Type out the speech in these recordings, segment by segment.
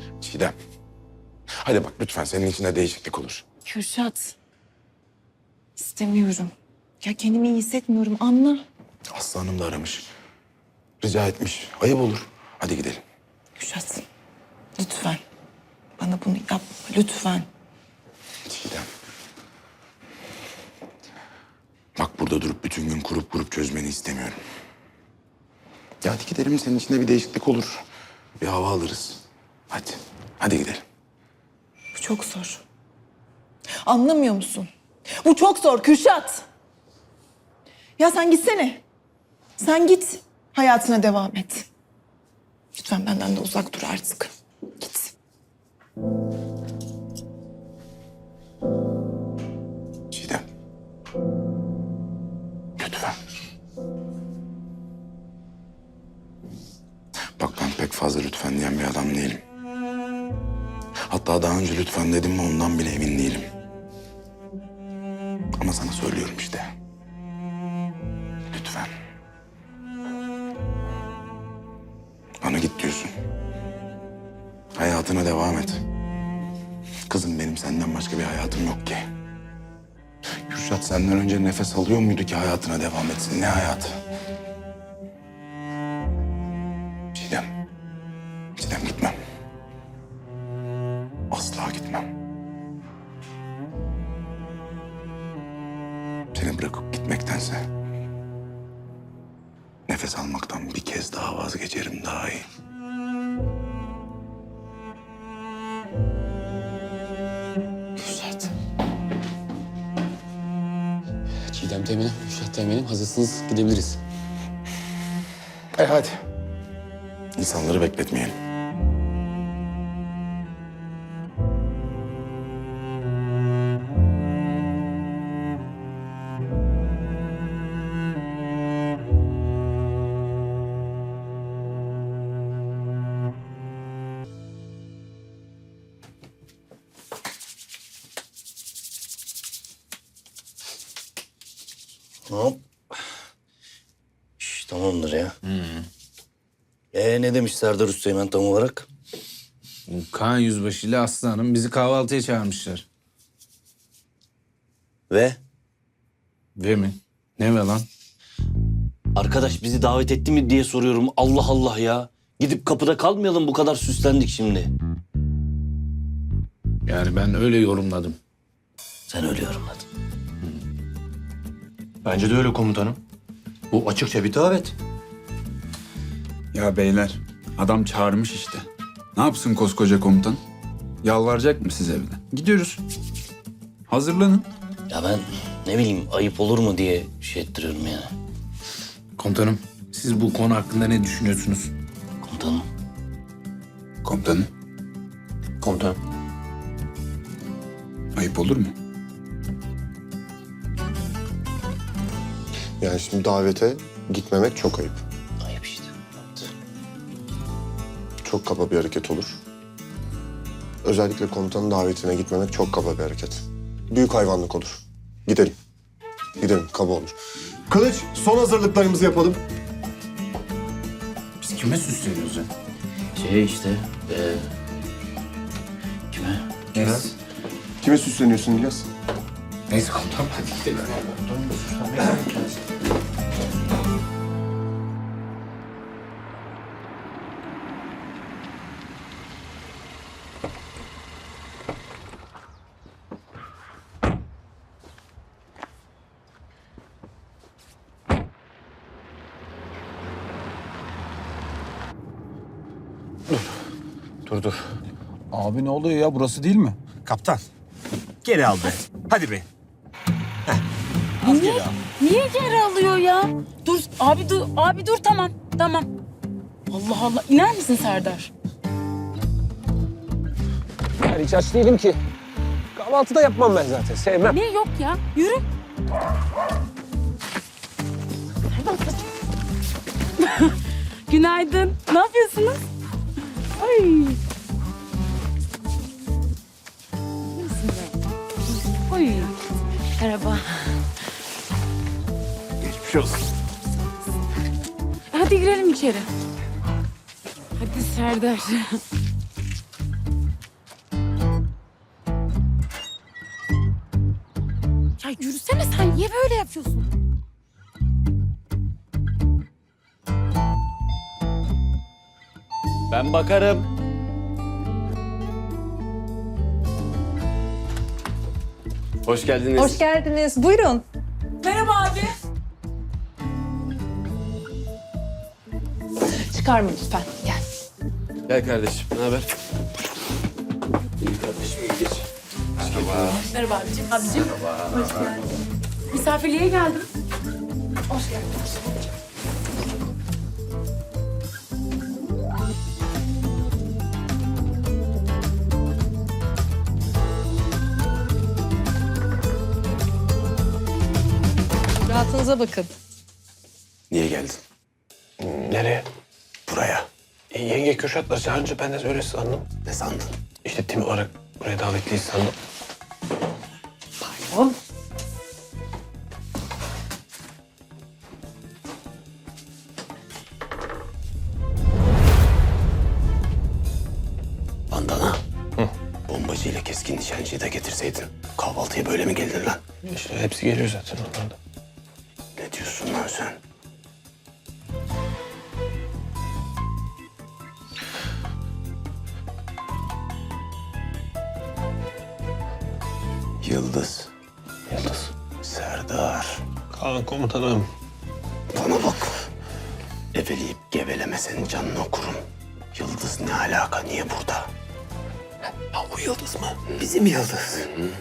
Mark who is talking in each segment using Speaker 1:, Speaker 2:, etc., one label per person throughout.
Speaker 1: Çiğdem. Hadi bak lütfen senin içinde değişiklik olur.
Speaker 2: Kürşat. İstemiyorum. Ya kendimi iyi hissetmiyorum, anla.
Speaker 1: Aslı Hanım da aramış. Rica etmiş. Ayıp olur. Hadi gidelim.
Speaker 2: Kürşat. Lütfen. Bana bunu yapma, lütfen.
Speaker 1: Çiğdem. Bak burada durup bütün gün kurup çözmeni istemiyorum. Ya hadi gidelim, senin içinde bir değişiklik olur. Bir hava alırız. Hadi. Hadi gidelim.
Speaker 2: Bu çok zor. Anlamıyor musun? Bu çok zor Kürşat. Ya sen gitsene. Sen git. Hayatına devam et. Lütfen benden de uzak dur artık. Git.
Speaker 1: Çiğdem. Lütfen. Bak ben pek fazla lütfen diyen bir adam değilim. Hatta daha önce lütfen dedim mi ondan bile emin değilim. Ama sana söylüyorum işte. Lütfen. Bana git diyorsun. Hayatına devam et. Kızım benim senden başka bir hayatım yok ki. Kürşat senden önce nefes alıyor muydu ki hayatına devam etsin? Ne hayatı? Çiğdem. Çiğdem gitmem. Asla gitmem. Seni bırakıp gitmektense nefes almaktan bir kez daha vazgeçerim, daha iyi.
Speaker 2: Kürşat.
Speaker 3: Çiğdem teğmenim, Kürşat teğmenim hazırsınız gidebiliriz.
Speaker 1: Hadi. İnsanları bekletmeyelim.
Speaker 4: Hop. Şş, tamamdır ya. Ne demiş Serdar Üsteğmen tam olarak?
Speaker 5: Kaan Yüzbaşı ile Aslı Hanım bizi kahvaltıya çağırmışlar.
Speaker 4: Ve?
Speaker 5: Ve mi? Ne ve lan?
Speaker 4: Arkadaş bizi davet etti mi diye soruyorum. Allah Allah ya. Gidip kapıda kalmayalım, bu kadar süslendik şimdi.
Speaker 5: Yani ben öyle yorumladım.
Speaker 4: Sen öyle yorumladın.
Speaker 6: Bence de öyle komutanım. Bu açıkça bir davet.
Speaker 7: Ya beyler, adam çağırmış işte. Ne yapsın koskoca komutan? Yalvaracak mı size bir de? Gidiyoruz. Hazırlanın.
Speaker 4: Ya ben ne bileyim, ayıp olur mu diye şey ettiriyorum yani.
Speaker 5: Komutanım, siz bu konu hakkında ne düşünüyorsunuz?
Speaker 4: Komutanım.
Speaker 7: Komutanım,
Speaker 6: Komutanım.
Speaker 7: ayıp olur mu?
Speaker 8: Yani şimdi davete gitmemek çok ayıp.
Speaker 4: Ayıp işte. Evet.
Speaker 8: Çok kaba bir hareket olur. Özellikle komutanın davetine gitmemek çok kaba bir hareket. Büyük hayvanlık olur. Gidelim. Gidelim, kaba olur. Kılıç, son hazırlıklarımızı yapalım.
Speaker 5: Biz kime süsleniyoruz ya?
Speaker 4: Şey işte. Kime?
Speaker 5: Neyse.
Speaker 8: Kime süsleniyorsun İlyas?
Speaker 5: Neyse komutanım, hadi gidelim.
Speaker 6: Dur.
Speaker 7: Abi ne oluyor ya? Burası değil mi?
Speaker 9: Kaptan, geri al be. Hadi be.
Speaker 10: Niye geri alıyor ya? Dur abi, dur tamam. Allah Allah, iner misin Serdar?
Speaker 9: Ben hiç aç değilim ki. Kahvaltıda yapmam ben zaten, sevmem.
Speaker 10: Ne yok ya, yürü. Günaydın, ne yapıyorsunuz? Ay. Oy. Merhaba.
Speaker 9: Geçmiş olsun.
Speaker 10: Hadi girelim içeri. Hadi Serdar. Sen niye böyle yapıyorsun?
Speaker 4: Ben bakarım.
Speaker 6: Hoş geldiniz.
Speaker 2: Hoş geldiniz. Buyurun.
Speaker 10: Merhaba abi.
Speaker 2: Çıkarma lütfen. Gel.
Speaker 6: Gel kardeşim. Ne haber? İyi kardeşim. İyi geç.
Speaker 10: Merhaba abicim. Abicim. Hoş geldin. Misafirliğe geldim. Hoş geldiniz.
Speaker 2: Rahatınıza bakın.
Speaker 1: Niye geldin?
Speaker 6: Nereye?
Speaker 1: Buraya.
Speaker 6: Yenge Kürşat'la çağırınca ben de öyle sandım.
Speaker 1: Ne sandın?
Speaker 6: İşte tim olarak buraya davetliyiz sandım.
Speaker 1: Bandana. Bombacı ile keskin nişancıyı da getirseydin. Kahvaltıya böyle mi geldin lan?
Speaker 6: İşte hepsi geliyor zaten onlarda.
Speaker 1: Ne diyorsun lan sen? Yıldız.
Speaker 6: Yıldız.
Speaker 1: Serdar.
Speaker 6: Kaan komutanım.
Speaker 1: Bana bak. Eveleyip geveleme senin canını okurum. Yıldız ne alaka? Niye burada?
Speaker 6: Ha bu Yıldız mı? Bizim Yıldız.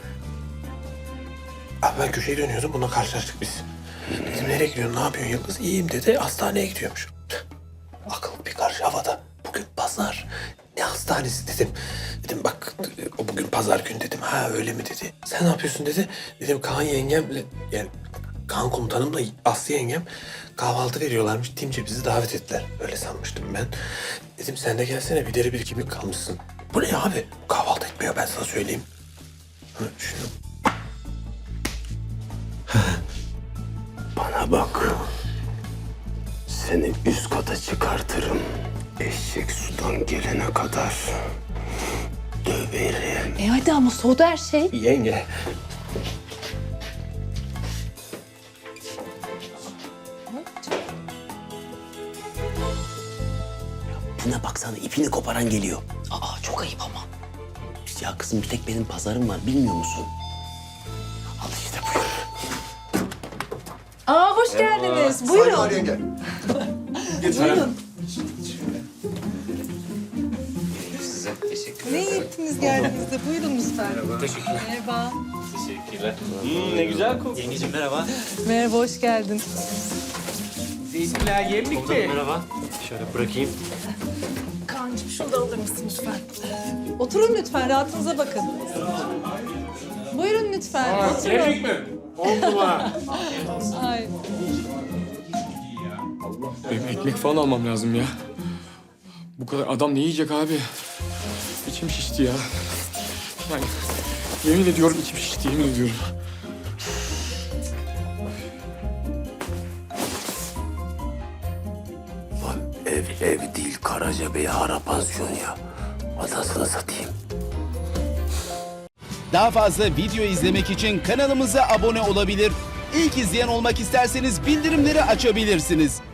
Speaker 6: Abi ben köşeye dönüyordum. Bununla karşılaştık biz. Dedim nereye gidiyorsun? Ne yapıyorsun Yıldız? İyiyim dedi. Hastaneye gidiyormuş. Akıl bir karış havada. Bugün pazar. Ne hastanesi dedim. Dedim bak o bugün pazar günü dedim. Ha öyle mi dedi. Sen ne yapıyorsun dedi. Dedim Kaan yengemle yani Kaan komutanımla Aslı yengem kahvaltı veriyorlarmış. Timce bizi davet ettiler. Öyle sanmıştım ben. Dedim sen de gelsene bir deri bir kemik kalmışsın. Bu ne abi? Kahvaltı etmiyor ben sana söyleyeyim. Ha, şunu.
Speaker 1: Bana bak. Seni üst kata çıkartırım. Eşek sudan gelene kadar döverim.
Speaker 2: Hadi ama soğudu her şey.
Speaker 6: Yenge.
Speaker 4: Buna baksana ipini koparan geliyor. Aa çok ayıp ama. Ya kızım bir tek benim pazarım var bilmiyor musun?
Speaker 1: Al işte buyur.
Speaker 2: Aa hoş geldiniz. Buyurun.
Speaker 8: yenge.
Speaker 2: Buyurun.
Speaker 3: Size teşekkür
Speaker 2: Ne iyi ettiniz geldiğinizde. Buyurun lütfen. Merhaba.
Speaker 3: Teşekkürler.
Speaker 4: Ne güzel kokuyor.
Speaker 3: Yengeciğim merhaba.
Speaker 2: Merhaba, hoş geldin.
Speaker 6: Merhaba. Şöyle bırakayım.
Speaker 2: Kaan'cığım şunu da alır mısın lütfen? Oturun lütfen, rahatınıza bakın. Buyurun lütfen, oturun.
Speaker 6: Yemek mi? Oldu mu?
Speaker 2: Ay.
Speaker 11: Benim ekmek falan almam lazım ya. Bu kadar adam ne yiyecek abi? İçim şişti ya. Yani yemin ediyorum içim şişti, yemin ediyorum.
Speaker 1: Lan ev değil Karacabey Hara Pansiyon ya. Adasını satayım.
Speaker 12: Daha fazla video izlemek için kanalımıza abone olabilir. İlk izleyen olmak isterseniz bildirimleri açabilirsiniz.